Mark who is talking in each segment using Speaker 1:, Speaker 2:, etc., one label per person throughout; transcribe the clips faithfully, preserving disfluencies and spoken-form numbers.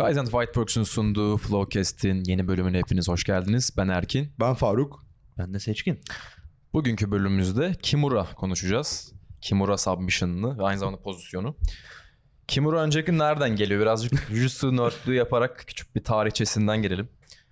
Speaker 1: Kaizen Whiteworks'un sunduğu Flowcast'in yeni bölümüne hepiniz hoş geldiniz. Ben Erkin.
Speaker 2: Ben Faruk.
Speaker 3: Ben de Seçkin.
Speaker 1: Bugünkü bölümümüzde Kimura konuşacağız. Kimura submission'ını ve aynı zamanda pozisyonu. Kimura öncelikle nereden geliyor? Birazcık Jujutsu nerdlüğü yaparak küçük bir tarihçesinden gelelim.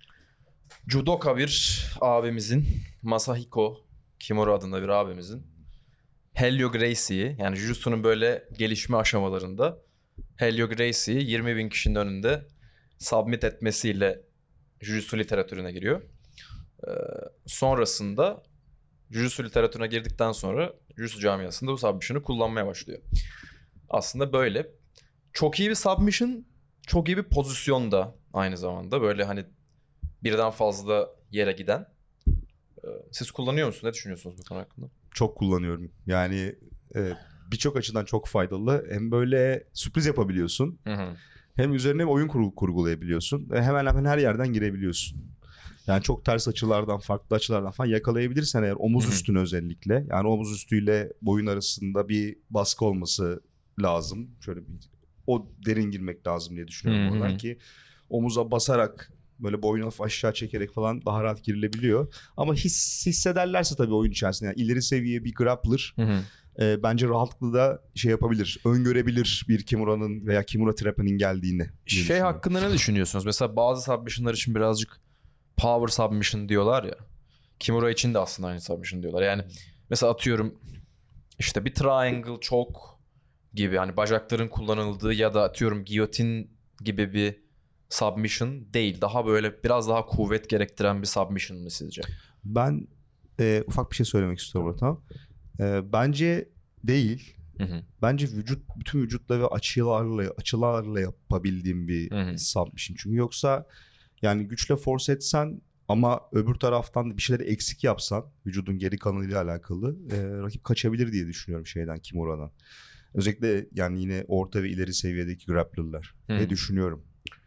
Speaker 1: Judoka bir abimizin, Masahiko Kimura adında bir abimizin Helio Gracie'yi, yani Jujutsu'nun böyle gelişme aşamalarında Helio Gracie'yi yirmi bin kişinin önünde submit etmesiyle Jujutsu literatürüne giriyor. Ee, sonrasında Jujutsu literatürüne girdikten sonra Jujutsu camiasında bu submission'ı kullanmaya başlıyor. Aslında böyle. Çok iyi bir submission, çok iyi bir pozisyon da aynı zamanda. Böyle hani birden fazla yere giden. Ee, siz kullanıyor musunuz? Ne düşünüyorsunuz bu konu hakkında?
Speaker 2: Çok kullanıyorum. Yani e, birçok açıdan çok faydalı. Hem böyle sürpriz yapabiliyorsun.
Speaker 1: Hı hı.
Speaker 2: Hem üzerine oyun kur- kurgulayabiliyorsun. Ve hemen hemen her yerden girebiliyorsun. Yani çok ters açılardan, farklı açılardan falan yakalayabilirsen eğer omuz
Speaker 1: Hı hı.
Speaker 2: üstüne özellikle. Yani omuz üstüyle boyun arasında bir baskı olması lazım. Şöyle bir o derin girmek lazım diye düşünüyorum
Speaker 1: Hı hı.
Speaker 2: oradan ki omuza basarak böyle boyunu hafif aşağı çekerek falan daha rahat girilebiliyor. Ama his, hissederlerse tabii oyun içerisinde yani ileri seviye bir grappler
Speaker 1: Hı hı.
Speaker 2: e, bence rahatlıkla da şey yapabilir. Öngörebilir bir Kimura'nın veya Kimura trap'inin geldiğini. diye
Speaker 1: Şey
Speaker 2: düşünüyorum.
Speaker 1: hakkında ne düşünüyorsunuz? Mesela bazı submission'lar için birazcık power submission diyorlar ya. Kimura için de aslında aynı submission diyorlar. Yani mesela atıyorum işte bir triangle choke gibi hani bacakların kullanıldığı ya da atıyorum giyotin gibi bir submission değil. Daha böyle biraz daha kuvvet gerektiren bir submission mı sizce?
Speaker 2: Ben e, ufak bir şey söylemek istiyorum burada. Tamam. E, bence değil.
Speaker 1: Hı hı.
Speaker 2: Bence vücut bütün vücutla ve açılarla açılarla yapabildiğim bir
Speaker 1: Hı hı.
Speaker 2: submission. Çünkü yoksa yani güçle force etsen ama öbür taraftan bir şeyleri eksik yapsan vücudun geri kalanıyla alakalı e, rakip kaçabilir diye düşünüyorum şeyden Kimura'dan. Özellikle yani yine orta ve ileri seviyedeki grappler'lar
Speaker 1: Hı.
Speaker 2: diye düşünüyorum.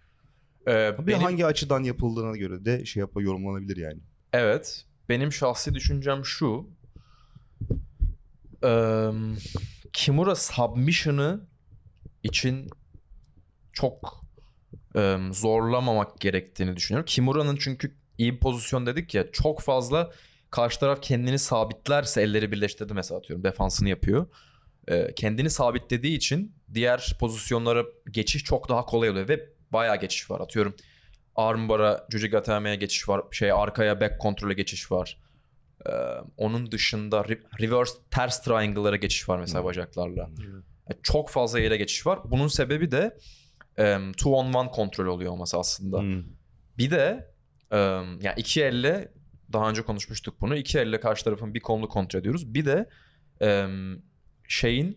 Speaker 1: Ee,
Speaker 2: Bir
Speaker 1: benim,
Speaker 2: hangi açıdan yapıldığına göre de şey yap yorumlanabilir yani.
Speaker 1: evet. Benim şahsi düşüncem şu. Ee, Kimura submission'ı için çok e, zorlamamak gerektiğini düşünüyorum. Kimura'nın çünkü iyi bir pozisyon dedik ya, çok fazla karşı taraf kendini sabitlerse elleri birleştirdi mesela atıyorum defansını yapıyor. E, kendini sabitlediği için diğer pozisyonlara geçiş çok daha kolay oluyor ve bayağı geçiş var. Atıyorum armbar'a, Jujigateme'ye geçiş var. Şey arkaya back kontrole geçiş var. E, onun dışında re- reverse ters triangle'lara geçiş var mesela bacaklarla. E, çok fazla yere geçiş var. Bunun sebebi de Um, two on one kontrol oluyor olması aslında.
Speaker 2: Hmm.
Speaker 1: Bir de um, yani iki elle daha önce konuşmuştuk bunu. İki elle karşı tarafın bir kolunu kontrol ediyoruz. Bir de um, şeyin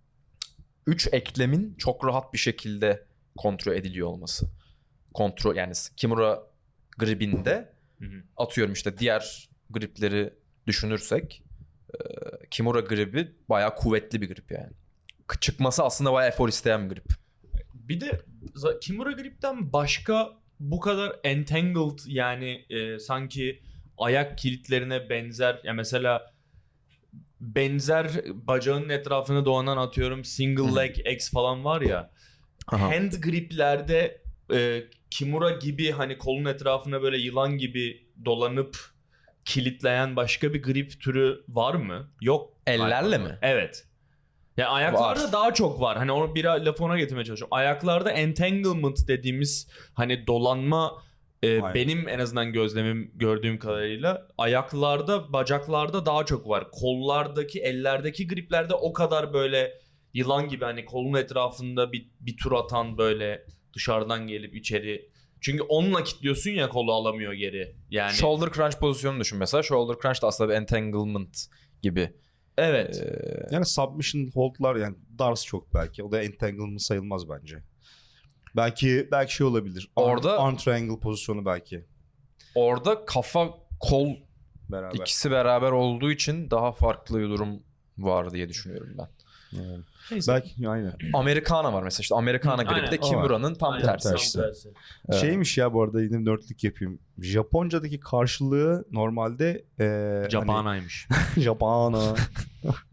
Speaker 1: üç eklemin çok rahat bir şekilde kontrol ediliyor olması. Kontrol yani Kimura gribinde
Speaker 3: Hı hı.
Speaker 1: atıyorum işte diğer gripleri düşünürsek e, Kimura gribi bayağı kuvvetli bir grip yani. Çıkması aslında bayağı efor isteyen bir grip.
Speaker 3: Bir de za- Kimura Grip'ten başka bu kadar entangled yani e, sanki ayak kilitlerine benzer ya mesela benzer bacağının etrafına dolanan atıyorum single
Speaker 1: Hı.
Speaker 3: leg X falan var ya.
Speaker 1: Aha.
Speaker 3: Hand griplerde e, Kimura gibi hani kolun etrafına böyle yılan gibi dolanıp kilitleyen başka bir grip türü var mı? Yok.
Speaker 1: Ellerle
Speaker 3: galiba.
Speaker 1: mi?
Speaker 3: Evet. Ya ayaklarda
Speaker 1: Var.
Speaker 3: daha çok var. Hani onu bir lafı ona getirmeye çalışıyorum. Ayaklarda entanglement dediğimiz hani dolanma e,
Speaker 2: Aynen.
Speaker 3: benim en azından gözlemim gördüğüm kadarıyla ayaklarda, bacaklarda daha çok var. Kollardaki, ellerdeki griplerde o kadar böyle yılan gibi hani kolun etrafında bir, bir tur atan böyle dışarıdan gelip içeri. Çünkü onunla kilitliyorsun ya kolu alamıyor geri. Yani
Speaker 1: Shoulder crunch pozisyonunu düşün mesela. Shoulder crunch da aslında bir entanglement gibi.
Speaker 3: evet.
Speaker 1: Ee,
Speaker 2: Yani submission hold'lar yani Dars çok belki. O da entanglement sayılmaz bence. Belki belki şey olabilir. Arm,
Speaker 1: Orada-
Speaker 2: arm triangle pozisyonu belki
Speaker 1: orada kafa kol
Speaker 2: beraber.
Speaker 1: ikisi beraber olduğu için daha farklı bir durum var diye düşünüyorum ben.
Speaker 2: Yani.
Speaker 3: Neyse.
Speaker 2: Belki aynen.
Speaker 1: Americana var mesela işte Americana
Speaker 3: Hı,
Speaker 1: gribi de
Speaker 3: aynen,
Speaker 2: o
Speaker 1: Kimura'nın tam
Speaker 3: Aynen,
Speaker 1: tersi.
Speaker 2: tersi.
Speaker 3: tersi.
Speaker 1: Evet.
Speaker 2: Şeymiş ya bu arada yine nerdlik yapayım. Japonca'daki karşılığı normalde e,
Speaker 3: Japana'ymış.
Speaker 2: hani, Japana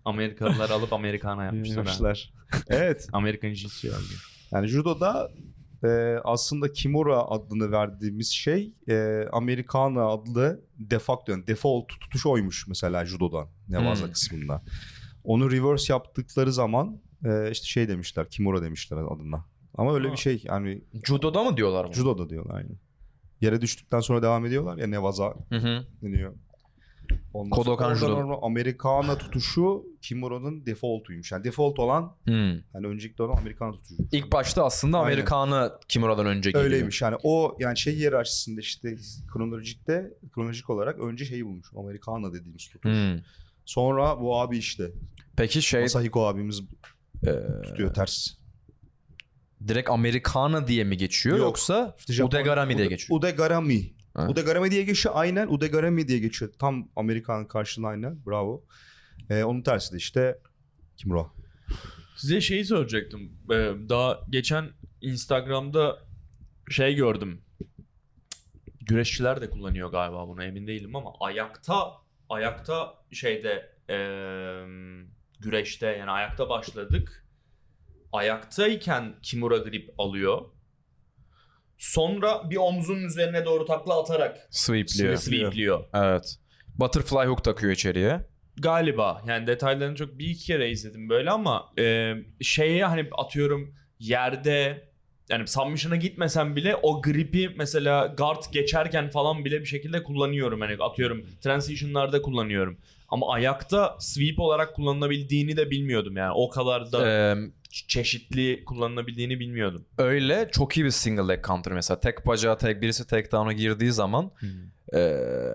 Speaker 3: Amerikalılar alıp Amerikana yapmışlar. ha.
Speaker 2: yapmışlar. Evet.
Speaker 3: Amerikan cinsi yani.
Speaker 2: Yani judoda e, aslında Kimura adını verdiğimiz şey e, Americana adlı defacto yani default tutuş oymuş mesela judodan Nevaza
Speaker 1: Hmm.
Speaker 2: kısmında. Onu reverse yaptıkları zaman e, işte şey demişler Kimura demişler adına. Ama öyle
Speaker 3: Ha.
Speaker 2: bir şey yani
Speaker 1: Judo'da mı diyorlar bunu?
Speaker 2: judoda diyorlar aynı. Yere düştükten sonra devam ediyorlar ya Nevaza
Speaker 1: Hı hı.
Speaker 2: deniyor. Ondan
Speaker 1: Kodokan
Speaker 2: sonra oradan
Speaker 1: judo.
Speaker 2: sonra Americana tutuşu Kimura'nın defaultuymuş. Yani default olan
Speaker 1: Hmm.
Speaker 2: hani öncelikle olan Americana tutuşu.
Speaker 1: İlk başta aslında
Speaker 2: Aynen.
Speaker 1: Amerikanı Kimura'dan önce geliyor.
Speaker 2: Öyleymiş yani o yani şey hiyerarşisinde işte kronolojikte kronolojik olarak önce şeyi bulmuş. Americana dediğimiz tutuş.
Speaker 1: Hmm.
Speaker 2: Sonra bu abi işte
Speaker 1: Peki şey
Speaker 2: Masahiko abimiz
Speaker 1: e,
Speaker 2: tutuyor ters.
Speaker 1: direkt Amerikanı diye mi geçiyor
Speaker 2: Yok.
Speaker 1: yoksa
Speaker 2: İşte Japon-
Speaker 1: Udegarami diye
Speaker 2: Ude-
Speaker 1: geçiyor?
Speaker 2: Udegarami.
Speaker 1: Ha.
Speaker 2: Udegarami diye geçiyor aynen. Udegarami diye geçiyor. Tam Amerikan karşılığı aynen. Bravo. Ee, onun tersi de işte Kimura.
Speaker 3: Size şeyi soracaktım. Ee, daha geçen Instagram'da şey gördüm. Güreşçiler de kullanıyor galiba bunu, emin değilim ama ayakta ayakta şeyde eee, güreşte yani ayakta başladık. Ayaktayken Kimura grip alıyor. Sonra bir omzunun üzerine doğru takla atarak
Speaker 1: Sweepliyor.
Speaker 3: sweepliyor.
Speaker 1: Evet. Butterfly hook takıyor içeriye.
Speaker 3: Galiba yani detaylarını çok bir iki kere izledim böyle ama e, şeye hani atıyorum yerde yani submission'a gitmesem bile o gripi mesela guard geçerken falan bile bir şekilde kullanıyorum. Hani atıyorum transition'larda kullanıyorum. Ama ayakta sweep olarak kullanılabildiğini de bilmiyordum yani. O kadar da
Speaker 1: Ee,
Speaker 3: ç- çeşitli kullanılabildiğini bilmiyordum.
Speaker 1: öyle çok iyi bir single leg counter mesela. Tek bacağı tek birisi takedown'a girdiği zaman ee,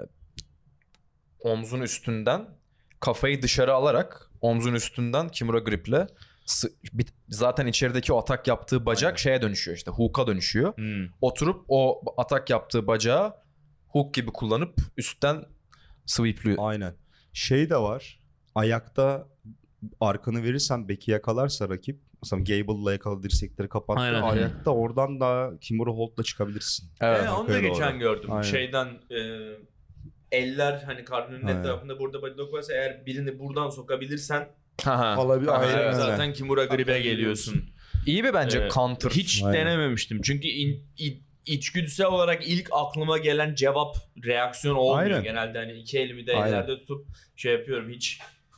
Speaker 1: omzun üstünden kafayı dışarı alarak omzun üstünden Kimura griple sı- bit- zaten içerideki o atak yaptığı bacak
Speaker 2: Aynen.
Speaker 1: şeye dönüşüyor işte hook'a dönüşüyor.
Speaker 3: Hmm.
Speaker 1: Oturup o atak yaptığı bacağı hook gibi kullanıp üstten sweepliyor.
Speaker 2: Aynen. Şey de var. Ayakta arkanı verirsen beki yakalarsa rakip. Mesela Gable'la yakaladı dirsekleri kapattı.
Speaker 3: Aynen.
Speaker 2: Ayakta oradan da Kimura Hold'la çıkabilirsin.
Speaker 1: Evet.
Speaker 3: E, onu da
Speaker 2: arkaya
Speaker 3: geçen
Speaker 2: doğru.
Speaker 3: gördüm.
Speaker 2: Aynen.
Speaker 3: Şeyden e, eller hani karnının
Speaker 2: Aynen.
Speaker 3: etrafında burada bodylock varsa eğer birini buradan sokabilirsen
Speaker 1: Haha.
Speaker 2: Alabil-
Speaker 1: Aha,
Speaker 2: aynen
Speaker 1: evet.
Speaker 2: öyle.
Speaker 3: zaten Kimura gribe
Speaker 2: Hakikaten
Speaker 3: geliyorsun.
Speaker 1: İyi bir bence
Speaker 3: Ee,
Speaker 1: counter.
Speaker 3: Hiç
Speaker 2: Aynen.
Speaker 3: denememiştim. Çünkü in, in- içgüdüsel olarak ilk aklıma gelen cevap reaksiyon olmuyor.
Speaker 2: Aynen.
Speaker 3: Genelde hani iki elimi de
Speaker 2: Aynen.
Speaker 3: ellerde tutup şey yapıyorum. Hiç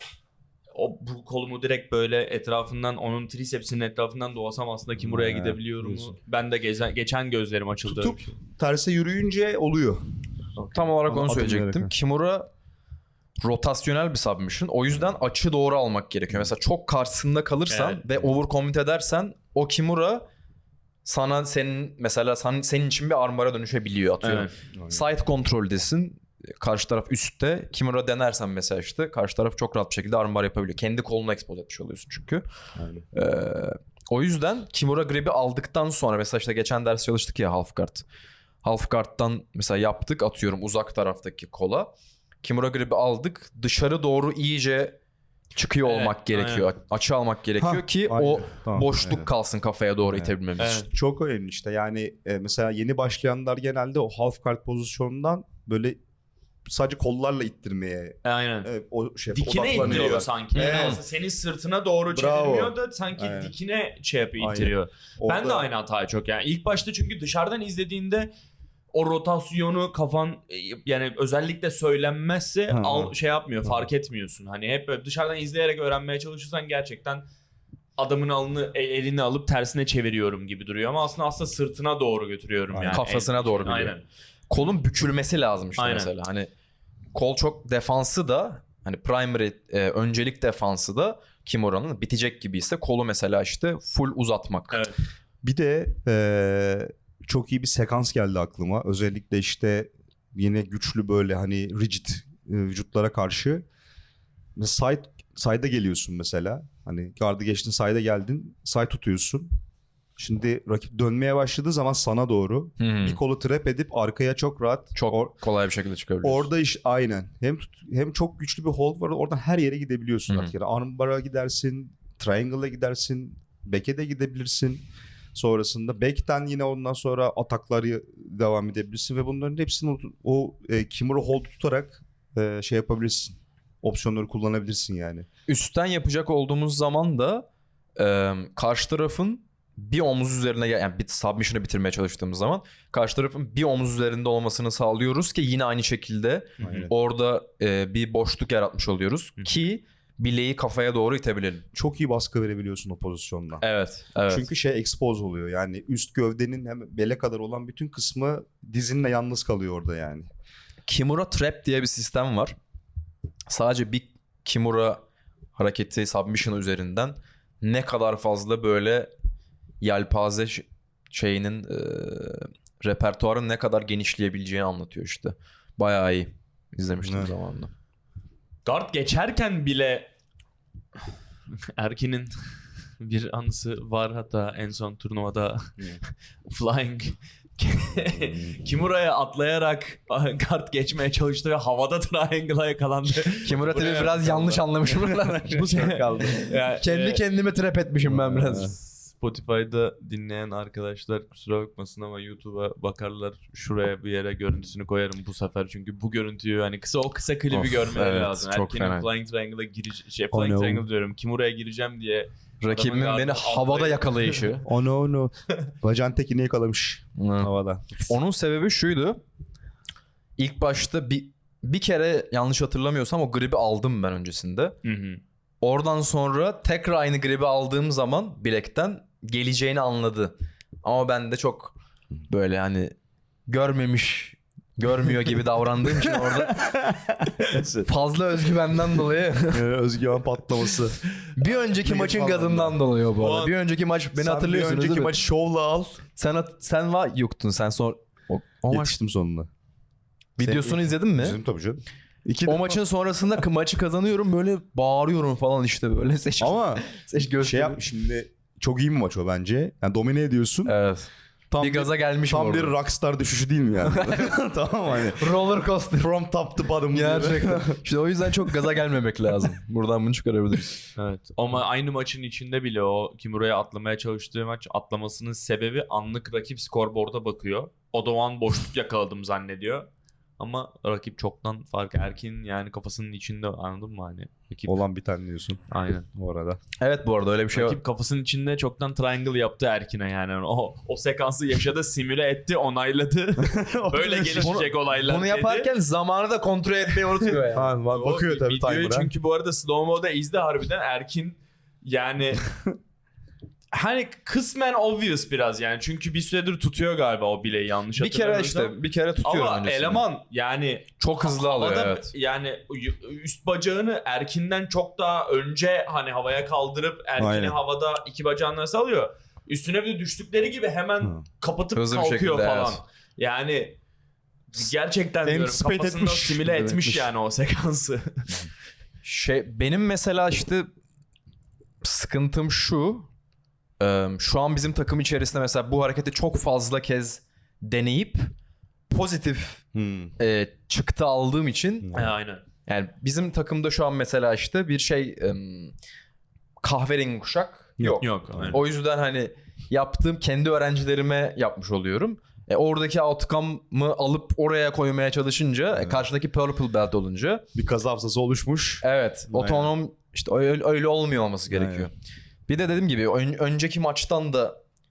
Speaker 3: o bu kolumu direkt böyle etrafından onun trisepsinin etrafından dolasam aslında Kimura'ya
Speaker 2: Ha,
Speaker 3: gidebiliyorum mu?
Speaker 2: diyorsun.
Speaker 3: Ben de gezen, geçen gözlerim açıldı.
Speaker 2: Tutup
Speaker 3: öyle bir şey.
Speaker 2: terse yürüyünce oluyor.
Speaker 1: Tam olarak
Speaker 2: Ama
Speaker 1: onu
Speaker 2: adım
Speaker 1: söyleyecektim.
Speaker 2: olarak.
Speaker 1: Kimura rotasyonel bir submission. O yüzden açı doğru almak gerekiyor. Mesela çok karşısında kalırsan
Speaker 3: Evet.
Speaker 1: ve overcommit edersen o Kimura sana senin mesela sen, senin için bir armora dönüşebiliyor atıyorum.
Speaker 3: Evet.
Speaker 1: Side kontroldesin. Karşı taraf üstte. Kimura denersen mesela işte karşı taraf çok rahat bir şekilde armbar yapabiliyor. Kendi kolunu expose etmiş oluyorsun çünkü.
Speaker 2: Aynen.
Speaker 1: Ee, o yüzden Kimura grip'i aldıktan sonra mesela işte geçen ders çalıştık ya half guard. Half guard'dan mesela yaptık atıyorum uzak taraftaki kola. Kimura grip'i aldık. Dışarı doğru iyice çıkıyor
Speaker 3: Evet,
Speaker 1: olmak gerekiyor. Açı almak gerekiyor
Speaker 2: Ha,
Speaker 1: ki
Speaker 2: aynen.
Speaker 1: o
Speaker 2: Tamam,
Speaker 1: boşluk
Speaker 2: aynen.
Speaker 1: kalsın kafaya doğru
Speaker 2: Evet.
Speaker 1: itebilmemiz
Speaker 3: Evet.
Speaker 1: için.
Speaker 2: Çok önemli işte yani e, mesela yeni başlayanlar genelde o half guard pozisyonundan böyle sadece kollarla ittirmeye
Speaker 3: Aynen.
Speaker 2: e, o şey
Speaker 3: Dikine
Speaker 2: odaklanıyorlar.
Speaker 3: indiriyor sanki.
Speaker 2: Evet.
Speaker 3: Yani aslında senin sırtına doğru
Speaker 2: Bravo.
Speaker 3: çevirmiyor da sanki
Speaker 2: Aynen.
Speaker 3: dikine şey yapıyor,
Speaker 2: Aynen.
Speaker 3: ittiriyor. Ben de
Speaker 2: Orada-
Speaker 3: aynı hatayı çok yani. İlk başta çünkü dışarıdan izlediğinde o rotasyonu kafan e, yani özellikle söylenmezse
Speaker 2: Ha.
Speaker 3: al, şey yapmıyor,
Speaker 2: Ha.
Speaker 3: fark etmiyorsun. Hani hep böyle dışarıdan izleyerek öğrenmeye çalışırsan gerçekten adamın alını e, elini alıp tersine çeviriyorum gibi duruyor ama aslında aslında sırtına doğru götürüyorum
Speaker 2: Aynen.
Speaker 3: yani.
Speaker 1: Kafasına
Speaker 3: El-
Speaker 1: doğru biliyor.
Speaker 3: Aynen.
Speaker 1: Kolun bükülmesi lazım işte
Speaker 3: Aynen.
Speaker 1: mesela. Hani kol çok defansı da hani primary e, öncelik defansı da Kimura'nın bitecek gibi ise kolu mesela işte full uzatmak.
Speaker 3: Evet.
Speaker 2: Bir de eee, çok iyi bir sekans geldi aklıma. Özellikle işte yine güçlü böyle hani rigid e, vücutlara karşı. Side, side'a geliyorsun mesela. Hani gardı geçtin side'a geldin. Side tutuyorsun. Şimdi rakip dönmeye başladığı zaman sana doğru
Speaker 1: Hmm.
Speaker 2: bir kolu trap edip arkaya çok rahat.
Speaker 1: Çok
Speaker 2: Or-
Speaker 1: kolay bir şekilde çıkabiliyorsun.
Speaker 2: Orada iş aynen. Hem tut- hem çok güçlü bir hold var. Oradan her yere gidebiliyorsun
Speaker 1: Hı hı.
Speaker 2: artık. Yani armbar'a gidersin, triangle'a gidersin, back'e de gidebilirsin. Sonrasında back'ten yine ondan sonra atakları devam edebilirsin ve bunların hepsini o, o e, Kimura hold tutarak e, şey yapabilirsin. Opsiyonları kullanabilirsin yani.
Speaker 1: Üstten yapacak olduğumuz zaman da e, karşı tarafın bir omuz üzerine yani bir submission'ı bitirmeye çalıştığımız zaman karşı tarafın bir omuz üzerinde olmasını sağlıyoruz ki yine aynı şekilde
Speaker 2: Aynen.
Speaker 1: orada e, bir boşluk yaratmış oluyoruz
Speaker 3: Hı.
Speaker 1: ki bileği kafaya doğru itebilelim.
Speaker 2: Çok iyi baskı verebiliyorsun o pozisyonda.
Speaker 1: Evet. evet.
Speaker 2: Çünkü şey expose oluyor. Yani üst gövdenin hem bele kadar olan bütün kısmı dizinle yalnız kalıyor orada yani.
Speaker 1: Kimura Trap diye bir sistem var. Sadece bir Kimura hareketi submission üzerinden ne kadar fazla böyle yelpaze ş- şeyinin e, repertuarın ne kadar genişleyebileceğini anlatıyor işte. Bayağı iyi. İzlemiştim
Speaker 2: Evet.
Speaker 1: zamanında.
Speaker 3: Guard geçerken bile Erkin'in bir anısı var, hatta en son turnuvada Flying Kimura'ya atlayarak guard geçmeye çalıştı ve havada triangle'a yakalandı.
Speaker 1: Kimura tabii
Speaker 3: Buraya
Speaker 1: biraz yanlış anlamışım.
Speaker 3: Bu sefer
Speaker 2: kaldı.
Speaker 3: Yani,
Speaker 1: Kendi
Speaker 3: e,
Speaker 1: kendime trap etmişim ben biraz.
Speaker 3: Spotify'da dinleyen arkadaşlar kusura bakmasın ama YouTube'a bakarlar, şuraya bir yere görüntüsünü koyarım bu sefer, çünkü bu görüntüyü hani kısa o kısa klibi
Speaker 1: Of,
Speaker 3: görmeleri
Speaker 1: evet,
Speaker 3: lazım.
Speaker 1: çok
Speaker 3: Erken'in
Speaker 1: fena.
Speaker 3: Flying Triangle'a gireceğim, şey
Speaker 2: Oh
Speaker 3: Flying
Speaker 2: no.
Speaker 3: Triangle diyorum, Kimura'ya gireceğim diye
Speaker 1: Rakibimin
Speaker 3: adamın
Speaker 1: beni
Speaker 3: gardını
Speaker 1: havada
Speaker 3: atlayıp-
Speaker 1: yakalayışı.
Speaker 2: Oh no no. Bacağın tekini yakalamış havada.
Speaker 1: Onun sebebi şuydu. İlk başta bir bir kere yanlış hatırlamıyorsam o gribi aldım ben öncesinde.
Speaker 3: Hı hı.
Speaker 1: Oradan sonra tekrar aynı gribi aldığım zaman bilekten geleceğini anladı. Ama ben de çok böyle hani görmemiş, görmüyor gibi davrandığım için orada fazla özgüvenden dolayı
Speaker 2: Ee, özgüven patlaması.
Speaker 1: bir önceki
Speaker 2: Neydi
Speaker 1: maçın
Speaker 2: falan
Speaker 1: gazından dolayı o bu
Speaker 3: O
Speaker 1: arada.
Speaker 3: an-
Speaker 1: Bir önceki maç beni
Speaker 2: Sen
Speaker 1: hatırlıyorsunuz
Speaker 2: bir önceki
Speaker 1: değil mi?
Speaker 2: maçı şovla al.
Speaker 1: Sen hat- sen var yoktun sen sonra o, o maç
Speaker 2: Yetiştim sonunda.
Speaker 1: videosunu izledin mi?
Speaker 2: Bizim tabii canım. İki
Speaker 1: O
Speaker 2: defa-
Speaker 1: maçın sonrasında k- maçı kazanıyorum böyle bağırıyorum falan işte böyle seç.
Speaker 2: ama
Speaker 1: seç
Speaker 2: şey
Speaker 1: gösteri.
Speaker 2: yapmış şimdi, çok iyi bir maç o bence. Yani domine ediyorsun.
Speaker 1: Evet.
Speaker 2: Tam
Speaker 1: bir gaza gelmişim
Speaker 2: Tam
Speaker 1: orada.
Speaker 2: bir rockstar düşüşü değil mi yani? Tamam mı hani?
Speaker 1: roller coaster.
Speaker 2: From top to bottom. gibi.
Speaker 1: Gerçekten. İşte o yüzden çok gaza gelmemek lazım. Buradan bunu çıkarabiliriz.
Speaker 3: Evet. Ama aynı maçın içinde bile o Kimura'ya atlamaya çalıştığı maç, atlamasının sebebi anlık rakip skorboard'a bakıyor. O da o an boşluk yakaladım zannediyor. Ama rakip çoktan fark, Erkin yani kafasının içinde, anladın mı hani? Rakip,
Speaker 2: Olan bir tane diyorsun
Speaker 3: aynen.
Speaker 2: bu arada.
Speaker 1: Evet bu arada öyle bir şey var.
Speaker 3: Rakip kafasının içinde çoktan triangle yaptı Erkin'e yani. O o sekansı yaşadı, simüle etti, onayladı. Böyle gelişecek olaylar
Speaker 1: Bunu
Speaker 3: dedi.
Speaker 1: yaparken zamanı da kontrol etmeyi unutuyor yani.
Speaker 2: Ha, bak-
Speaker 3: O
Speaker 2: bakıyor tabii
Speaker 3: videoyu
Speaker 2: timer'a.
Speaker 3: çünkü bu arada slow mo'da izle, harbiden Erkin yani hani kısmen obvious biraz yani, çünkü bir süredir tutuyor galiba o bileği, yanlış
Speaker 1: bir kere
Speaker 3: hatırlamıyorsam.
Speaker 1: işte bir kere tutuyorum
Speaker 3: Ama
Speaker 1: öncesinde.
Speaker 3: eleman yani
Speaker 1: çok hızlı alıyor
Speaker 3: havada
Speaker 1: evet.
Speaker 3: yani üst bacağını Erkin'den çok daha önce hani havaya kaldırıp Erkin'i
Speaker 2: Aynen.
Speaker 3: havada iki bacağını nasıl alıyor? Üstüne bir de düştükleri gibi hemen
Speaker 2: Hı.
Speaker 3: kapatıp
Speaker 1: Hızlı bir
Speaker 3: kalkıyor
Speaker 1: şekilde,
Speaker 3: falan.
Speaker 1: evet.
Speaker 3: Yani gerçekten diyorum,
Speaker 2: Anticipate
Speaker 3: kafasında
Speaker 2: etmiş.
Speaker 3: simüle etmiş
Speaker 2: Etmiş.
Speaker 3: yani o sekansı.
Speaker 1: Şey benim mesela işte sıkıntım şu. e, Şu an bizim takım içerisinde mesela bu hareketi çok fazla kez deneyip pozitif
Speaker 2: Hmm.
Speaker 1: e, çıktı aldığım için
Speaker 3: He, aynen.
Speaker 1: yani bizim takımda şu an mesela işte bir şey e, kahverengi kuşak yok.
Speaker 3: Yok. Aynen.
Speaker 1: O yüzden hani yaptığım kendi öğrencilerime yapmış oluyorum. E, oradaki outcome'ı alıp oraya koymaya çalışınca e, karşıdaki purple belt olunca
Speaker 2: Bir kaza hafızası oluşmuş.
Speaker 1: evet
Speaker 2: Aynen.
Speaker 1: otonom işte öyle, öyle olmuyor olması gerekiyor. Bir de dediğim gibi ön- önceki maçtan da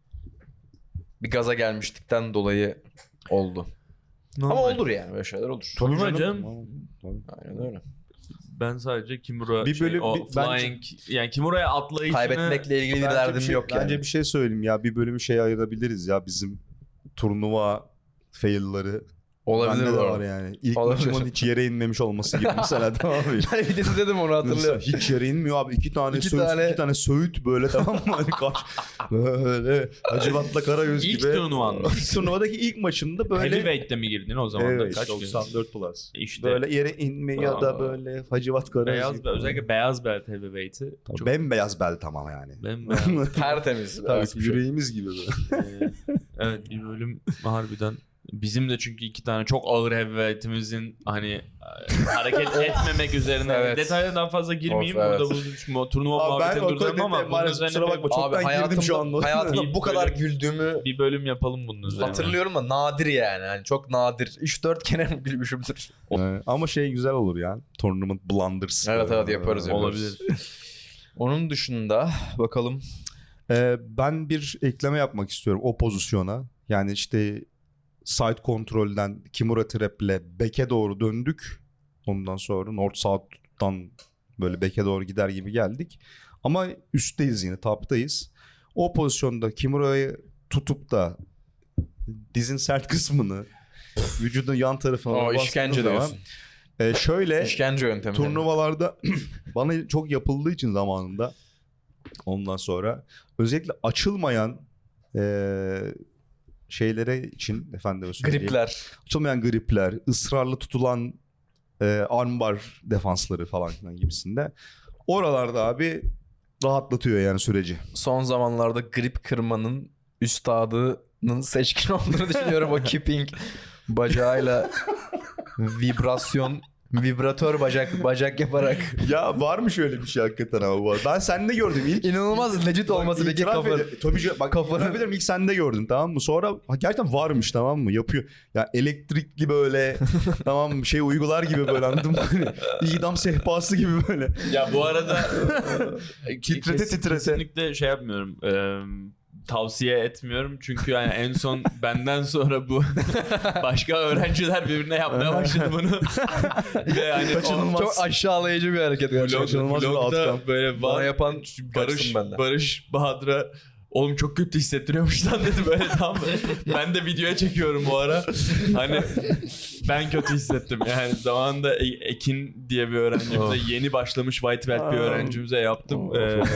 Speaker 1: bir gaza gelmiştikten dolayı oldu. Ama olur yani böyle şeyler olur.
Speaker 3: Tabii canım.
Speaker 2: Tabii.
Speaker 1: Aynen öyle.
Speaker 3: Ben sadece Kimura
Speaker 2: Bir
Speaker 3: şey,
Speaker 2: bölüm-
Speaker 3: o
Speaker 2: bir-
Speaker 3: flying yani Kimura'ya atlayışını
Speaker 1: Kaybetmekle ilgili bir
Speaker 2: Bence
Speaker 1: derdim
Speaker 2: bir şey,
Speaker 1: yok yani.
Speaker 2: Bence bir şey söyleyeyim ya. Bir bölümü şey ayırabiliriz ya. Bizim turnuva fail'ları.
Speaker 1: Olabilir
Speaker 2: Bende
Speaker 1: bu
Speaker 2: de
Speaker 1: arada.
Speaker 2: var yani. İlk
Speaker 1: Olabilir.
Speaker 2: maçımın hiç yere inmemiş olması gibi mesela, tamam mı?
Speaker 1: Ben bir de dedim onu
Speaker 2: Mesela
Speaker 1: hatırlıyorum.
Speaker 2: hiç yere inmiyor abi. İki tane
Speaker 1: İki
Speaker 2: söğüt,
Speaker 1: tane-
Speaker 2: iki tane söğüt böyle, tamam mı? Hani kaç, böyle Hacivat'la Karagöz
Speaker 3: İlk
Speaker 2: gibi.
Speaker 3: turnuvan mı?
Speaker 2: İlk turnuvadaki ilk maçında böyle.
Speaker 3: Heavyweight'te mi girdin o zaman da?
Speaker 2: Evet,
Speaker 3: Kaç
Speaker 2: doksan dört plus.
Speaker 3: İşte
Speaker 2: Böyle yere inme ya da
Speaker 3: Aa.
Speaker 2: böyle Hacivat Karagöz
Speaker 3: beyaz,
Speaker 2: gibi.
Speaker 3: özellikle beyaz belt heavyweight'i
Speaker 2: Tabii
Speaker 3: çok
Speaker 2: bembeyaz bel tamam yani.
Speaker 3: bembeyaz.
Speaker 1: Tertemiz.
Speaker 2: Tabii
Speaker 1: Evet, bir şey.
Speaker 2: yüreğimiz gibi böyle.
Speaker 3: Ee, evet, bir bölüm harbiden bizim de, çünkü iki tane çok ağır heavyweight'imizin hani e, hareket etmemek üzerine
Speaker 1: Evet.
Speaker 3: detaylara daha fazla girmeyeyim.
Speaker 1: Of, evet.
Speaker 3: Burada bu mu- turnuva
Speaker 2: Abi ben
Speaker 3: muhabbetini
Speaker 2: o
Speaker 3: durduralım ama
Speaker 2: konuda
Speaker 3: bunun
Speaker 2: maalesef
Speaker 3: üzerine
Speaker 2: kusura
Speaker 3: bir-
Speaker 2: bakma, çoktan
Speaker 1: Abi
Speaker 2: girdim şu
Speaker 1: hayatımda,
Speaker 2: anda.
Speaker 1: hayatımda bu kadar
Speaker 3: Böyle-
Speaker 1: güldüğümü
Speaker 3: bir bölüm yapalım bunun üzerine.
Speaker 1: hatırlıyorum da nadir yani. yani çok nadir. üç dört kere mi gülmüşümdür.
Speaker 2: Ee, ama şey güzel olur ya. Tournament blunders.
Speaker 1: Evet,
Speaker 2: böyle.
Speaker 1: evet, yaparız, yaparız.
Speaker 3: Olabilir.
Speaker 1: Onun dışında bakalım.
Speaker 2: Ee, ben bir ekleme yapmak istiyorum o pozisyona. Yani işte side kontrolden Kimura trap'le back'e doğru döndük. Ondan sonra north south'tan böyle back'e doğru gider gibi geldik. Ama üstteyiz yine, top'tayız. O pozisyonda Kimura'yı tutup da dizin sert kısmını vücudun yan tarafına
Speaker 1: O
Speaker 2: bastığınız
Speaker 1: işkence
Speaker 2: zaman,
Speaker 1: diyorsun.
Speaker 2: e, şöyle
Speaker 1: İşkence yöntemi.
Speaker 2: turnuvalarda bana çok yapıldığı için zamanında, ondan sonra özellikle açılmayan e, şeylere için efendim söyleyeyim.
Speaker 1: Gripler.
Speaker 2: Açılmayan gripler, ısrarlı tutulan e, armbar defansları falan filan gibisinde. Oralarda abi rahatlatıyor yani süreci.
Speaker 1: Son zamanlarda grip kırmanın üstadının seçkin olduğunu düşünüyorum. O keeping bacağıyla vibrasyon, vibratör bacak bacak yaparak.
Speaker 2: Ya var mı şöyle bir şey hakikaten ama bu? Ben sende gördüm ilk.
Speaker 1: İnanılmaz legit olması peki
Speaker 2: İtiraf
Speaker 1: kafa.
Speaker 2: ederim. Tabii ki- bak
Speaker 1: Kafanı-
Speaker 2: itiraf ederim, ilk sende gördüm, tamam mı? Sonra ha, gerçekten varmış, tamam mı? Yapıyor. Ya elektrikli böyle tamam mı? Şey uygular gibi böyle, anladın mı? Hani İdam sehpası gibi böyle.
Speaker 3: Ya bu arada
Speaker 2: Titrete
Speaker 3: kes-
Speaker 2: titrete.
Speaker 3: kesinlikle şey yapmıyorum. Eee, tavsiye etmiyorum. Çünkü yani en son benden sonra bu başka öğrenciler birbirine yapmaya başladı bunu. Ve yani
Speaker 2: Kaçınılmaz.
Speaker 1: Çok aşağılayıcı bir hareket
Speaker 3: o
Speaker 1: gerçekten.
Speaker 2: kaçınılmaz bir
Speaker 3: vlog,
Speaker 2: outcome.
Speaker 3: vlogda böyle
Speaker 1: Bana
Speaker 3: var.
Speaker 1: yapan
Speaker 3: Barış,
Speaker 1: kaçsın benden.
Speaker 3: Barış Bahadır'a oğlum çok kötü hissettiriyormuş lan dedi böyle, tam. Ben de videoya çekiyorum bu ara. Hani ben kötü hissettim. Yani zamanında E- Ekin diye bir öğrencimize,
Speaker 1: Oh.
Speaker 3: yeni başlamış white belt bir
Speaker 2: Oh.
Speaker 3: öğrencimize yaptım.
Speaker 2: Oh.
Speaker 3: Ee,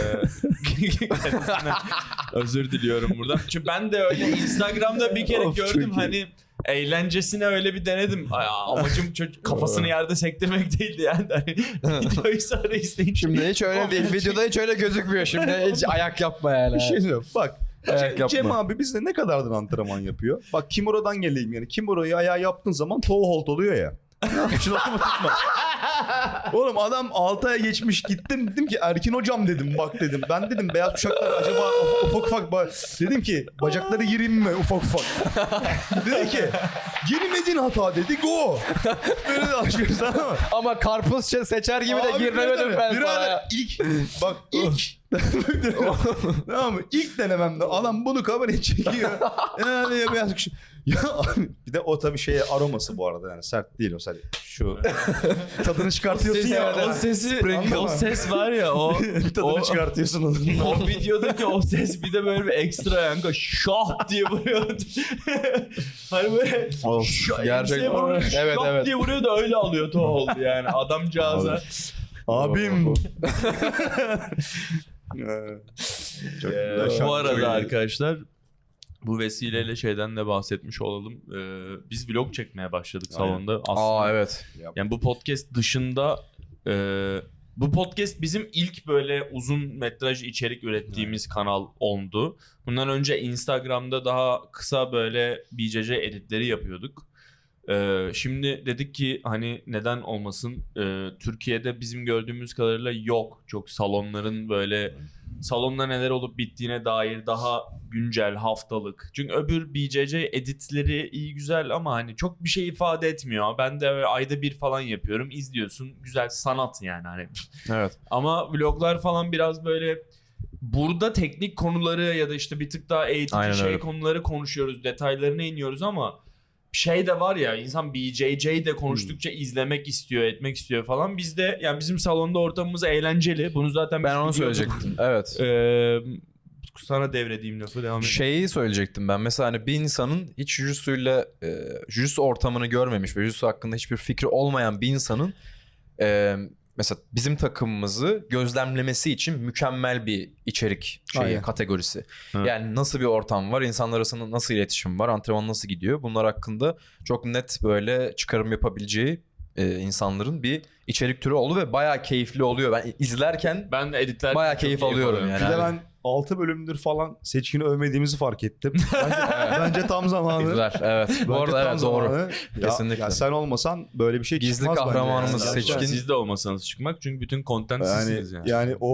Speaker 3: kendisine özür diliyorum buradan. Çünkü ben de öyle Instagram'da bir kere
Speaker 2: Of,
Speaker 3: gördüm,
Speaker 2: çok iyi.
Speaker 3: hani eğlencesine öyle bir denedim. Ay, amacım çocuk kafasını yerde sektirmek değildi yani. Hani videoyu sonra izleyince.
Speaker 1: Şimdi hiç öyle
Speaker 3: Oğlum,
Speaker 1: değil. Videoda hiç öyle gözükmüyor. Şimdi hiç ayak yapma yani.
Speaker 2: Bir şey diyorum. Bak
Speaker 1: Ayak
Speaker 2: Cem, Cem
Speaker 1: yapma.
Speaker 2: abi bizde ne kadardır antrenman yapıyor? Bak Kimura'dan geleyim yani. Kimura'yı ayağa yaptığın zaman toe hold oluyor ya. Şunu tutma. Oğlum adam altı aya geçmiş, gittim dedim ki Erkin hocam dedim, bak dedim. Ben dedim beyaz kuşaklar acaba ufak ufak ba- dedim ki bacakları gireyim mi ufak ufak. Dedi ki girmedin hata dedi, go. Böyle de açıyoruz, tamam mı?
Speaker 1: Ama karpuz se- seçer gibi de
Speaker 2: Abi
Speaker 1: giremedim
Speaker 2: birader,
Speaker 1: ben
Speaker 2: birader,
Speaker 1: sana ya.
Speaker 2: ilk bak ilk tamam mı? İlk denememde adam bunu kameraya çekiyor. Yani ya beyaz kuş. Ya abi, bir de o tabii şeye aroması bu arada, yani sert değil o, sadece şu tadını çıkartıyorsun
Speaker 3: Sesi-
Speaker 2: ya.
Speaker 3: o sesi,
Speaker 2: Sprinkle.
Speaker 3: o ses var ya, o
Speaker 2: Tadını
Speaker 3: o,
Speaker 2: çıkartıyorsun onun.
Speaker 3: o videodaki o ses bir de böyle bir ekstra yankı, şah diye vuruyor. Hani böyle
Speaker 2: Of,
Speaker 3: şah,
Speaker 1: gerçek-
Speaker 3: enseye vuruyor,
Speaker 1: Evet,
Speaker 3: şah
Speaker 1: evet.
Speaker 3: diye vuruyor da öyle alıyor to oldu yani adamcağıza.
Speaker 2: Abim. Çok
Speaker 3: Ee,
Speaker 2: güzel şarkı.
Speaker 3: bu arada
Speaker 2: Çok iyi.
Speaker 3: arkadaşlar, bu vesileyle şeyden de bahsetmiş olalım. Ee, biz vlog çekmeye başladık
Speaker 2: Aynen.
Speaker 3: salonda. Aslında
Speaker 1: Aa evet.
Speaker 3: yani bu podcast dışında e, bu podcast bizim ilk böyle uzun metraj içerik ürettiğimiz kanal oldu. Bundan önce Instagram'da daha kısa böyle B C C editleri yapıyorduk. Ee, şimdi dedik ki hani neden olmasın. Ee, Türkiye'de bizim gördüğümüz kadarıyla yok çok salonların böyle salonda neler olup bittiğine dair daha güncel, haftalık. Çünkü öbür B C C editleri iyi güzel ama hani çok bir şey ifade etmiyor. Ben de öyle ayda bir falan yapıyorum. İzliyorsun. Güzel sanat yani hani.
Speaker 1: Evet.
Speaker 3: Ama vloglar falan biraz böyle burada teknik konuları ya da işte bir tık daha eğitici
Speaker 1: Aynen
Speaker 3: şey
Speaker 1: öyle.
Speaker 3: konuları konuşuyoruz. Detaylarına iniyoruz ama şey de var ya, insan B J J de konuştukça izlemek istiyor, etmek istiyor falan. Biz de yani bizim salonda ortamımız eğlenceli. Bunu zaten
Speaker 1: Ben
Speaker 3: biz
Speaker 1: onu
Speaker 3: biliyorduk.
Speaker 1: söyleyecektim. Evet.
Speaker 3: Ee, sana devredeyim lafı, devam et.
Speaker 1: Şeyi söyleyecektim ben. Mesela hani bir insanın hiç jujitsuyla e, jujitsu ortamını görmemiş ve jujitsu hakkında hiçbir fikri olmayan bir insanın e, mesela bizim takımımızı gözlemlemesi için mükemmel bir içerik şeyi,
Speaker 2: Aynen.
Speaker 1: kategorisi.
Speaker 3: Evet.
Speaker 1: Yani nasıl bir ortam var, insanlar arasında nasıl iletişim var, antrenman nasıl gidiyor? Bunlar hakkında çok net böyle çıkarım yapabileceği e, insanların bir içerik türü oldu ve bayağı keyifli oluyor. Ben izlerken
Speaker 3: Ben de editler
Speaker 1: bayağı keyif alıyorum yani.
Speaker 2: Bir de ben altı bölümdür falan Seçkin'i övmediğimizi fark ettim. Bence, bence tam zamanı.
Speaker 1: Güzel, evet. Bu
Speaker 2: Bence
Speaker 1: arada
Speaker 2: tam
Speaker 1: evet doğru.
Speaker 2: zamanı. Ya,
Speaker 1: Kesinlikle.
Speaker 2: ya sen olmasan böyle bir şey
Speaker 1: Gizli
Speaker 2: çıkmaz bence
Speaker 1: kahramanımız
Speaker 2: yani.
Speaker 1: Seçkin.
Speaker 3: Siz de olmasanız çıkmak çünkü bütün content
Speaker 2: Yani,
Speaker 3: sizsiniz yani.
Speaker 2: yani o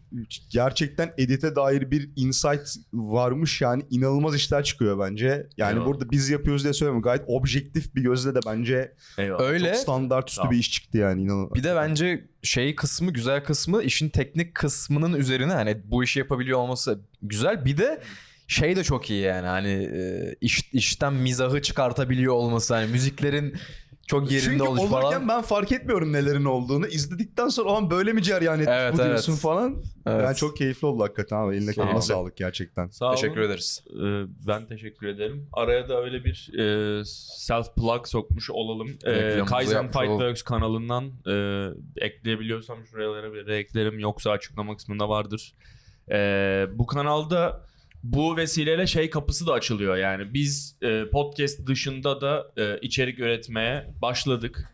Speaker 2: gerçekten edite dair bir insight varmış yani inanılmaz işler çıkıyor bence. Yani
Speaker 3: Eyvallah.
Speaker 2: burada biz yapıyoruz diye söylemiyorum. Gayet objektif bir gözle de bence
Speaker 3: Eyvallah.
Speaker 1: Öyle.
Speaker 2: çok standart üstü
Speaker 3: Tamam.
Speaker 2: bir iş çıktı yani inanılmaz.
Speaker 1: Bir de bence şey kısmı, güzel kısmı, işin teknik kısmının üzerine hani bu işi yapabiliyor olması güzel. Bir de şey de çok iyi yani hani e, iş, işten mizahı çıkartabiliyor olması, hani müziklerin çok yerinde
Speaker 2: Çünkü
Speaker 1: oluşu
Speaker 2: olurken
Speaker 1: falan.
Speaker 2: ben fark etmiyorum nelerin olduğunu. İzledikten sonra "Aman böyle mi cereyan etmiş
Speaker 1: Evet,
Speaker 2: bu"
Speaker 1: evet.
Speaker 2: diyorsun falan.
Speaker 1: Evet.
Speaker 2: Yani çok keyifli oldu hakikaten abi. Eline
Speaker 1: Sağ
Speaker 2: koluna
Speaker 1: ol.
Speaker 2: sağlık gerçekten.
Speaker 3: Sağ olun.
Speaker 1: Teşekkür ederiz.
Speaker 3: Ee, ben teşekkür ederim. Araya da öyle bir e, self plug sokmuş olalım. Ee,
Speaker 1: Reklamımızı
Speaker 3: Kaizen
Speaker 1: yapmış olalım.
Speaker 3: Fightworks kanalından e, ekleyebiliyorsam şuralara bir eklerim, yoksa açıklama kısmında vardır. Ee, bu kanalda bu vesileyle şey kapısı da açılıyor, yani biz e, podcast dışında da e, içerik üretmeye başladık.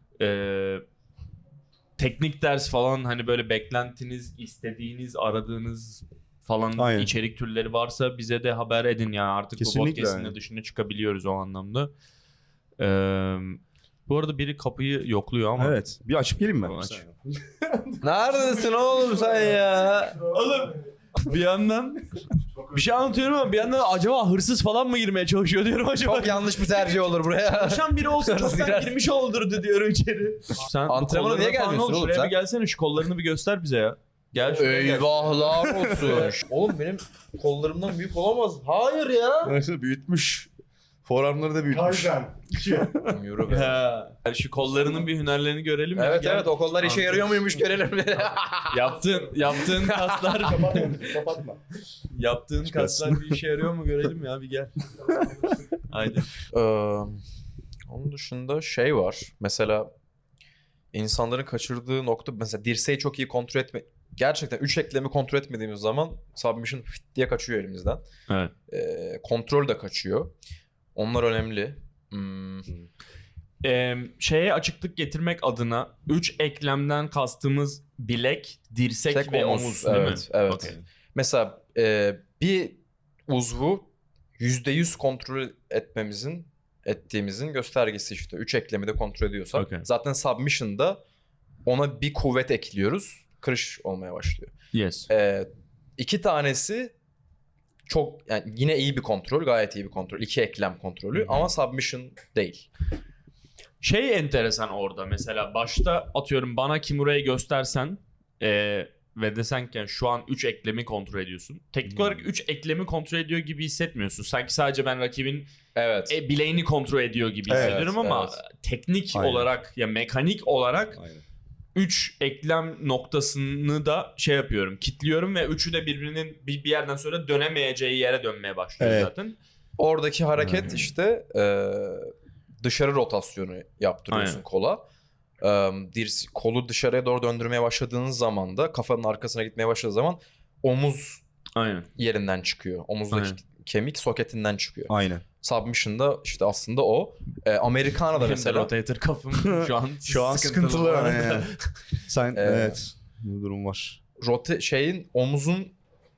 Speaker 3: E, teknik ders falan, hani böyle beklentiniz, istediğiniz, aradığınız falan
Speaker 2: Aynen.
Speaker 3: içerik türleri varsa bize de haber edin yani, artık
Speaker 2: Kesinlikle
Speaker 3: bu podcast'in de
Speaker 2: yani.
Speaker 3: dışına çıkabiliyoruz o anlamda. Ee, bu arada biri kapıyı yokluyor ama.
Speaker 2: Evet. Bir açıp geleyim mi?
Speaker 3: Tamam, aç.
Speaker 1: Neredesin oğlum sen ya?
Speaker 3: Oğlum bir yandan bir şey anlatıyorum ama bir yandan acaba hırsız falan mı girmeye çalışıyor diyorum acaba.
Speaker 1: Çok yanlış bir tercih olur buraya.
Speaker 3: Çalışan biri olsa
Speaker 1: Hırsız
Speaker 3: çoktan
Speaker 1: girer.
Speaker 3: girmiş olurdu diyorum içeri. Sen bu
Speaker 1: Antrenmana
Speaker 3: kollarına
Speaker 1: niye
Speaker 3: falan
Speaker 1: gelmiyorsun
Speaker 3: ol,
Speaker 1: oğlum
Speaker 3: şuraya
Speaker 1: sen?
Speaker 3: bir gelsene, şu kollarını bir göster bize ya. Gel şuraya gel.
Speaker 1: Eyvahlar olsun. Oğlum benim kollarımdan büyük olamaz. Hayır ya.
Speaker 2: Neyse büyütmüş. Forearmları da büyütmüş.
Speaker 4: Kaizen. iki.
Speaker 1: Yürü be.
Speaker 3: Ha. Yani şu kollarının bir hünerlerini görelim. ya.
Speaker 1: Evet
Speaker 3: Gel.
Speaker 1: evet, o kollar işe yarıyor muymuş görelim.
Speaker 3: Yaptığın, yaptığın kaslar
Speaker 2: Kapatma. Kapatma.
Speaker 3: yaptığın
Speaker 2: Çıkarsın.
Speaker 3: kaslar bir işe yarıyor mu görelim ya, bir gel. Haydi.
Speaker 1: Ee, onun dışında şey var. Mesela insanların kaçırdığı nokta, mesela dirseği çok iyi kontrol etme. Gerçekten üç eklemi kontrol etmediğimiz zaman submission fit diye kaçıyor elimizden.
Speaker 3: Evet.
Speaker 1: Ee, kontrol de kaçıyor. Onlar önemli. Hmm.
Speaker 3: Ee, şeye açıklık getirmek adına üç eklemden kastımız bilek, dirsek
Speaker 1: Tek
Speaker 3: ve
Speaker 1: omuz,
Speaker 3: omuz, değil
Speaker 1: evet,
Speaker 3: mi?
Speaker 1: evet.
Speaker 3: Okey.
Speaker 1: Mesela e, bir uzvu yüzde yüz kontrol etmemizin ettiğimizin göstergesi işte. Üç eklemi de kontrol ediyorsak.
Speaker 3: Okey.
Speaker 1: Zaten submission'da ona bir kuvvet ekliyoruz. Kırış olmaya başlıyor.
Speaker 3: Yes.
Speaker 1: E, iki tanesi çok, yani yine iyi bir kontrol. Gayet iyi bir kontrol. İki eklem kontrolü.
Speaker 3: Hı hı.
Speaker 1: Ama submission değil.
Speaker 3: Şey enteresan orada, mesela başta atıyorum bana Kimura'yı göstersen ee, ve desen ki şu an üç eklemi kontrol ediyorsun. Teknik olarak üç eklemi kontrol ediyor gibi hissetmiyorsun. Sanki sadece ben rakibin
Speaker 1: Evet.
Speaker 3: e, bileğini kontrol ediyor gibi
Speaker 2: Evet,
Speaker 3: hissediyorum ama
Speaker 1: evet.
Speaker 3: teknik
Speaker 2: Aynen.
Speaker 3: olarak ya mekanik olarak
Speaker 2: Aynen.
Speaker 3: üç eklem noktasını da şey yapıyorum, kilitliyorum ve üçü de birbirinin bir, bir yerden sonra dönemeyeceği yere dönmeye başlıyor
Speaker 2: Evet.
Speaker 3: zaten.
Speaker 1: Oradaki hareket
Speaker 2: Hmm.
Speaker 1: işte e, dışarı rotasyonu yaptırıyorsun
Speaker 3: Aynen.
Speaker 1: kola. E, dirs- kolu dışarıya doğru döndürmeye başladığınız zaman da kafanın arkasına gitmeye başladığı zaman omuz
Speaker 3: Aynen.
Speaker 1: yerinden çıkıyor. Omuzdaki
Speaker 3: Aynen.
Speaker 1: kemik soketinden çıkıyor.
Speaker 2: Aynen.
Speaker 1: Submission'da işte aslında o. E, Amerikana'da
Speaker 3: Benim de
Speaker 1: mesela
Speaker 3: rotator kafım şu an
Speaker 2: Şu an sıkıntılı.
Speaker 3: bu arada.
Speaker 2: Yani. Sen
Speaker 1: Ee,
Speaker 2: evet. Bu durum var.
Speaker 1: rote şeyin omuzun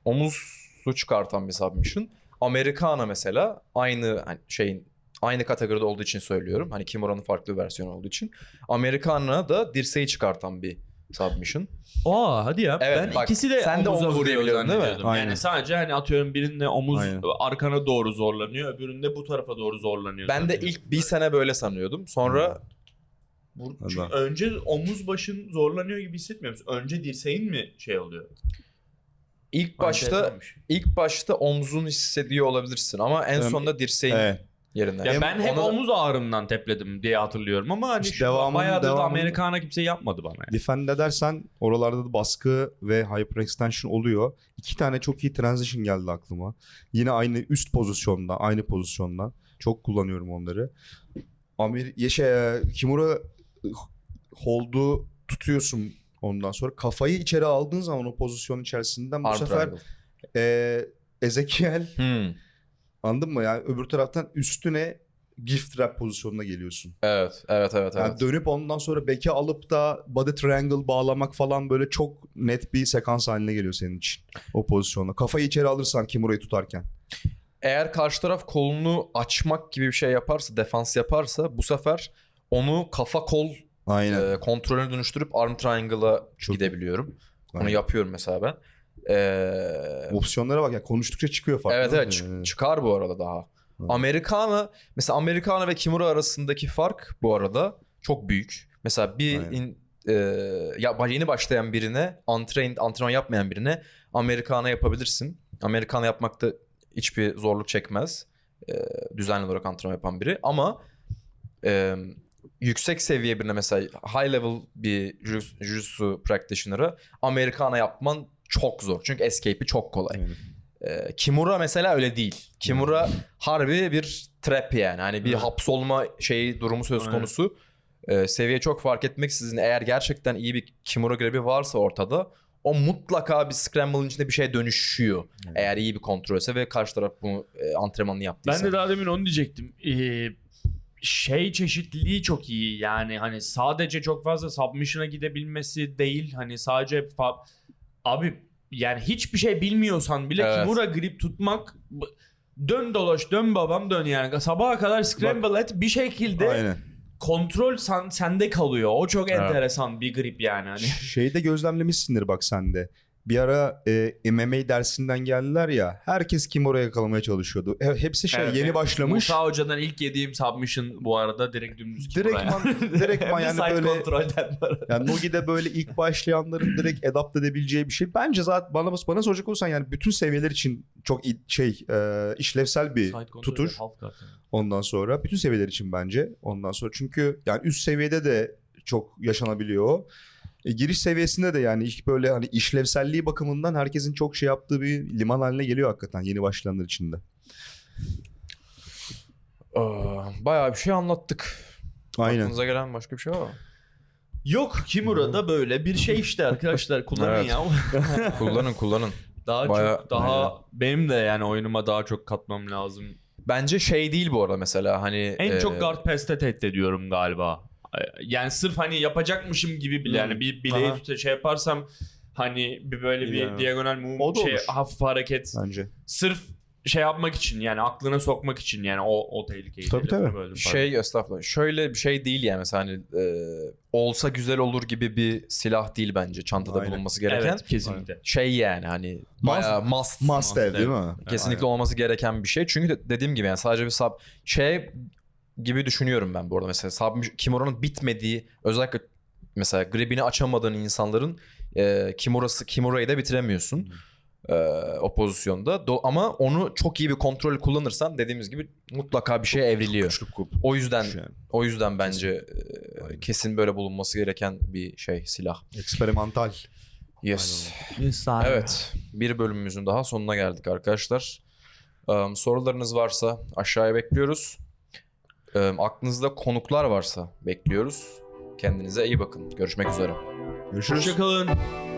Speaker 1: omuzu çıkartan bir submission. Americana mesela aynı hani şeyin aynı kategoride olduğu için söylüyorum. Hani Kimura'nın farklı bir versiyonu olduğu için. Americana da dirseği çıkartan bir submission.
Speaker 3: Aa hadi ya.
Speaker 1: Evet,
Speaker 3: Ben
Speaker 1: bak,
Speaker 3: ikisi de
Speaker 1: sen de
Speaker 3: omuza
Speaker 1: omuz
Speaker 3: vuruyor
Speaker 1: diyebiliyordun değil mi?
Speaker 3: zannediyordum.
Speaker 2: Aynen.
Speaker 3: Yani sadece hani atıyorum birinde omuz
Speaker 2: Aynen.
Speaker 3: arkana doğru zorlanıyor, öbüründe bu tarafa doğru zorlanıyor.
Speaker 1: Ben de
Speaker 3: zannediyordum.
Speaker 1: ilk bir sene böyle sanıyordum. Sonra
Speaker 3: Bu-
Speaker 2: Allah.
Speaker 3: çünkü önce omuz başın zorlanıyor gibi hissetmiyor musun? Önce dirseğin mi şey oluyor?
Speaker 1: ilk başta
Speaker 3: Enteresanmış.
Speaker 1: ilk başta omzun hissediyor olabilirsin ama en
Speaker 2: Evet.
Speaker 1: sonunda dirseğin
Speaker 2: Evet.
Speaker 1: yerinden.
Speaker 3: Ya
Speaker 2: Hem
Speaker 3: ben hep
Speaker 1: ona-
Speaker 3: omuz ağrımdan tepledim diye hatırlıyorum ama hani
Speaker 2: İşte
Speaker 3: şu
Speaker 2: devamını-
Speaker 3: bayağıdır da
Speaker 2: devamını-
Speaker 3: Amerikana kimse yapmadı bana yani.
Speaker 2: Defend edersen oralarda da baskı ve hyperextension oluyor. İki tane çok iyi transition geldi aklıma. Yine aynı üst pozisyonda, aynı pozisyonda. Çok kullanıyorum onları. Amer şey, Kimura hold'u tutuyorsun ondan sonra. Kafayı içeri aldığın zaman o pozisyon içerisinden bu
Speaker 1: Arm
Speaker 2: sefer
Speaker 1: triangle.
Speaker 2: e, Ezekiel
Speaker 1: Hmm.
Speaker 2: anladın mı? Yani öbür taraftan üstüne gift wrap pozisyonuna geliyorsun.
Speaker 1: Evet, evet, evet,
Speaker 2: Yani
Speaker 1: evet.
Speaker 2: dönüp ondan sonra beke alıp da body triangle bağlamak falan böyle çok net bir sekans haline geliyor senin için o pozisyonda. Kafayı içeri alırsan Kimura'yı tutarken.
Speaker 1: Eğer karşı taraf kolunu açmak gibi bir şey yaparsa, defans yaparsa bu sefer onu kafa kol
Speaker 2: Aynen.
Speaker 1: e, kontrolüne dönüştürüp arm triangle'a
Speaker 2: Çok-
Speaker 1: gidebiliyorum. Onu
Speaker 2: Aynen.
Speaker 1: yapıyorum mesela ben. Ee,
Speaker 2: Opsiyonlara bak ya, konuştukça çıkıyor fark.
Speaker 1: evet
Speaker 2: değil
Speaker 1: evet
Speaker 2: mi?
Speaker 1: çık- çıkar bu arada daha.
Speaker 2: Evet.
Speaker 1: Americano mesela Americano ve Kimura arasındaki fark bu arada çok büyük. Mesela bir
Speaker 2: Aynen.
Speaker 1: in, e, ya yeni başlayan birine, untrained, antrenman yapmayan birine Americano yapabilirsin. Americano yapmakta hiçbir zorluk çekmez. E, düzenli olarak antrenman yapan biri ama e, yüksek seviye birine mesela high level bir jiu- jiu-jitsu practitioner'a Americano yapman çok zor. Çünkü escape'i çok kolay.
Speaker 2: Aynen.
Speaker 1: Ee, Kimura mesela öyle değil. Kimura harbi bir trap yani. Hani bir
Speaker 3: Evet.
Speaker 1: hapsolma şeyi durumu söz
Speaker 3: Aynen.
Speaker 1: konusu. Ee, seviye çok fark etmeksizin eğer gerçekten iyi bir Kimura grebi varsa ortada o mutlaka bir scramble'ın içinde bir şeye dönüşüyor.
Speaker 2: Evet.
Speaker 1: Eğer iyi bir kontrolse ve karşı taraf bunu e, antrenmanını yaptıysa.
Speaker 3: Ben de daha demin onu diyecektim. Ee, şey çeşitliliği çok iyi. Yani hani sadece çok fazla submission'a gidebilmesi değil. Hani sadece fa- abi yani hiçbir şey bilmiyorsan bile
Speaker 1: Evet.
Speaker 3: Kimura grip tutmak b- dön dolaş dön babam dön yani. Sabaha kadar scramble et bir şekilde
Speaker 2: Aynen.
Speaker 3: kontrol sen, sende kalıyor. O çok
Speaker 1: Evet.
Speaker 3: enteresan bir grip yani. Hani.
Speaker 2: Şeyde gözlemlemişsindir bak sen de. Bir ara e, M M A dersinden geldiler ya. Herkes Kimura'yı yakalamaya çalışıyordu. E, hepsi şey
Speaker 3: Evet,
Speaker 2: yeni
Speaker 3: evet.
Speaker 2: başlamış.
Speaker 3: Musa Hoca'dan ilk yediğim submission bu arada direkt dümdüz Kimura.
Speaker 2: Direktman, direktman
Speaker 3: Bir
Speaker 2: yani
Speaker 3: side
Speaker 2: böyle.
Speaker 3: kontrolden var.
Speaker 2: Yani Nogi'de böyle ilk başlayanların direkt adapt edebileceği bir şey. Bence zaten bana bana soracak olursan yani bütün seviyeler için çok i- şey e, işlevsel bir
Speaker 3: Side kontrolü
Speaker 2: tutur.
Speaker 3: half guard yani.
Speaker 2: Ondan sonra bütün seviyeler için bence. Ondan sonra çünkü yani üst seviyede de çok yaşanabiliyor o. E, giriş seviyesinde de yani ilk böyle hani işlevselliği bakımından herkesin çok şey yaptığı bir liman haline geliyor hakikaten yeni başlayanlar için de.
Speaker 1: Ee, bayağı bir şey anlattık.
Speaker 2: Aynen.
Speaker 1: Aklınıza gelen başka bir şey var mı?
Speaker 3: Yok Kimura'da böyle bir şey işte arkadaşlar kullanın
Speaker 1: Evet.
Speaker 3: ya.
Speaker 1: kullanın kullanın.
Speaker 3: Daha
Speaker 1: Bayağı-
Speaker 3: çok daha benim de yani oyunuma daha çok katmam lazım.
Speaker 1: Bence şey değil bu arada mesela hani.
Speaker 3: En
Speaker 1: e,
Speaker 3: çok guard pass'te tehdit ediyorum galiba. Yani sırf hani yapacakmışım gibi bile yani bir bileği
Speaker 2: Aha.
Speaker 3: tuta şey yaparsam hani bir böyle bir
Speaker 2: Biliyorum.
Speaker 3: diagonal move
Speaker 2: O da
Speaker 3: şey
Speaker 2: olur.
Speaker 3: hafif hareket
Speaker 2: Bence.
Speaker 3: sırf şey yapmak için yani aklına sokmak için yani o o tehlikeyi.
Speaker 2: Tabii,
Speaker 3: Lafını
Speaker 2: tabii.
Speaker 3: böldüm,
Speaker 1: Şey estağfurullah. Şöyle bir şey değil yani mesela hani e, olsa güzel olur gibi bir silah değil bence çantada
Speaker 2: Aynen.
Speaker 1: bulunması
Speaker 3: pardon.
Speaker 1: gereken.
Speaker 3: Evet kesinlikle.
Speaker 1: Şey yani hani
Speaker 2: Must-
Speaker 1: bayağı must.
Speaker 2: Must have değil mi?
Speaker 1: Kesinlikle olması gereken bir şey. Çünkü de, dediğim gibi yani sadece bir sub şey gibi düşünüyorum ben bu arada mesela sub Kimura'nın bitmediği özellikle mesela gribini açamadığın insanların e, Kimura'sı Kimura'yı da bitiremiyorsun. e, o pozisyonda. Do- ama onu çok iyi bir kontrol kullanırsan dediğimiz gibi mutlaka bir şeye evriliyor.
Speaker 2: Güçlü kul.
Speaker 1: O yüzden
Speaker 2: Yani.
Speaker 1: o yüzden bence e,
Speaker 2: Aynen.
Speaker 1: kesin böyle bulunması gereken bir şey silah.
Speaker 2: Eksperimental.
Speaker 1: Yes. Evet. Bir bölümümüzün daha sonuna geldik arkadaşlar. Um, sorularınız varsa aşağıya bekliyoruz. Um, aklınızda konuklar varsa bekliyoruz. Kendinize iyi bakın. Görüşmek üzere.
Speaker 2: Görüşürüz.
Speaker 3: Hoşçakalın.